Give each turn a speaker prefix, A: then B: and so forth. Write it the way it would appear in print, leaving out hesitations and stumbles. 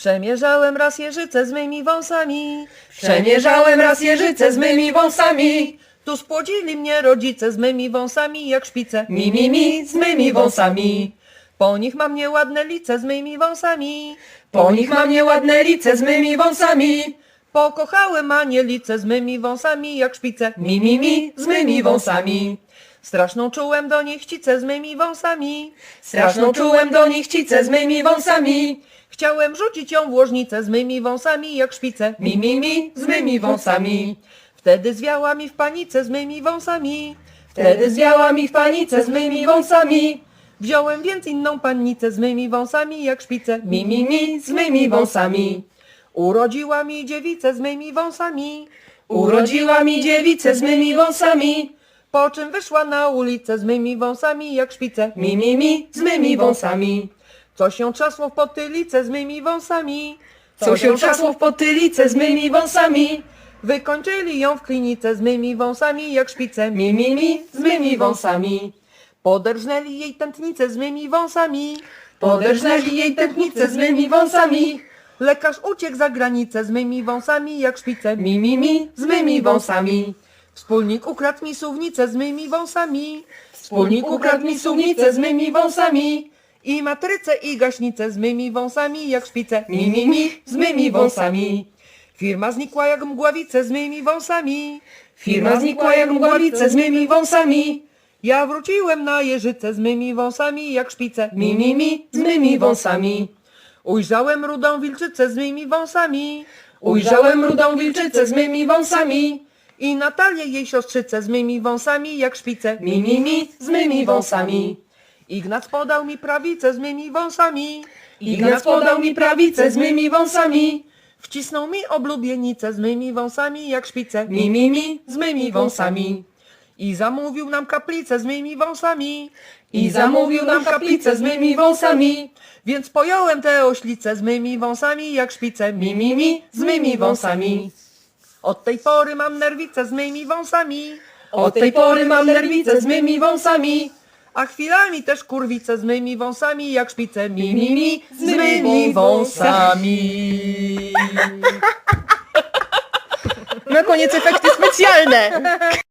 A: Przemierzałem raz jeżycę z mymi wąsami.
B: Przemierzałem raz jeżycę z mymi wąsami.
A: Tu spłodzili mnie rodzice z mymi wąsami jak szpice.
B: Mi, z mymi wąsami.
A: Po nich mam nieładne lice z mymi wąsami.
B: Po nich mam nieładne lice z mymi wąsami.
A: Pokochałem anielice z mymi wąsami jak szpice.
B: Mi, z mymi wąsami.
A: Straszną czułem do nich chcicę z mymi wąsami.
B: Straszną czułem do nich chcicę z mymi wąsami.
A: Chciałem rzucić ją w łożnicę z mymi wąsami jak szpice.
B: Mi, z mymi wąsami.
A: Wtedy zwiała mi w panice z mymi wąsami.
B: Wtedy zwiała mi w panice z mymi wąsami.
A: Wziąłem więc inną pannicę z mymi wąsami jak szpice.
B: Mi, z mymi wąsami.
A: Urodziła mi dziewicę z mymi wąsami.
B: Urodziła mi dziewicę z mymi wąsami.
A: Po czym wyszła na ulicę z mymi wąsami jak szpice.
B: Mi, z mymi wąsami.
A: Co się trzasło w potylicę z mymi wąsami.
B: Co się trzasło w potylicę z mymi wąsami.
A: Wykończyli ją w klinice z mymi wąsami jak szpice.
B: Mi, z mymi wąsami.
A: Poderżnęli jej tętnicę z mymi wąsami.
B: Poderżnęli jej tętnicę z mymi wąsami.
A: Lekarz uciekł za granicę z mymi wąsami jak szpice.
B: Mi, z mymi wąsami.
A: Wspólnik ukradł mi suwnicę z mymi wąsami.
B: Wspólnik ukradł mi suwnicę z mymi wąsami.
A: I matrycę i gaśnicę z mymi wąsami jak szpice.
B: Mi, z mymi wąsami.
A: Firma znikła jak mgławice z mymi wąsami.
B: Firma znikła jak mgławice z mymi wąsami.
A: Ja wróciłem na jeżycę z mymi wąsami jak szpice.
B: Mi, z mymi wąsami.
A: Ujrzałem rudą wilczycę z mymi wąsami.
B: Ujrzałem rudą wilczycę z mymi wąsami.
A: I Natalię jej siostrzycę z mymi wąsami jak szpice.
B: Mi, z mymi wąsami.
A: Ignac podał mi prawicę z mymi wąsami.
B: Ignac podał mi prawicę z mymi wąsami.
A: Wcisnął mi oblubienicę z mymi wąsami jak szpice.
B: Mi, z mymi wąsami.
A: I zamówił nam kaplicę z mymi wąsami.
B: I zamówił nam kaplicę z mymi wąsami.
A: Więc pojąłem te oślice z mymi wąsami jak szpice.
B: Mi, z mymi wąsami.
A: Od tej pory mam nerwicę z mymi wąsami.
B: Od tej pory mam nerwicę z mymi wąsami.
A: A chwilami też kurwicę z mymi wąsami jak szpice.
B: Mi, z mymi wąsami.
A: Na koniec efekty specjalne.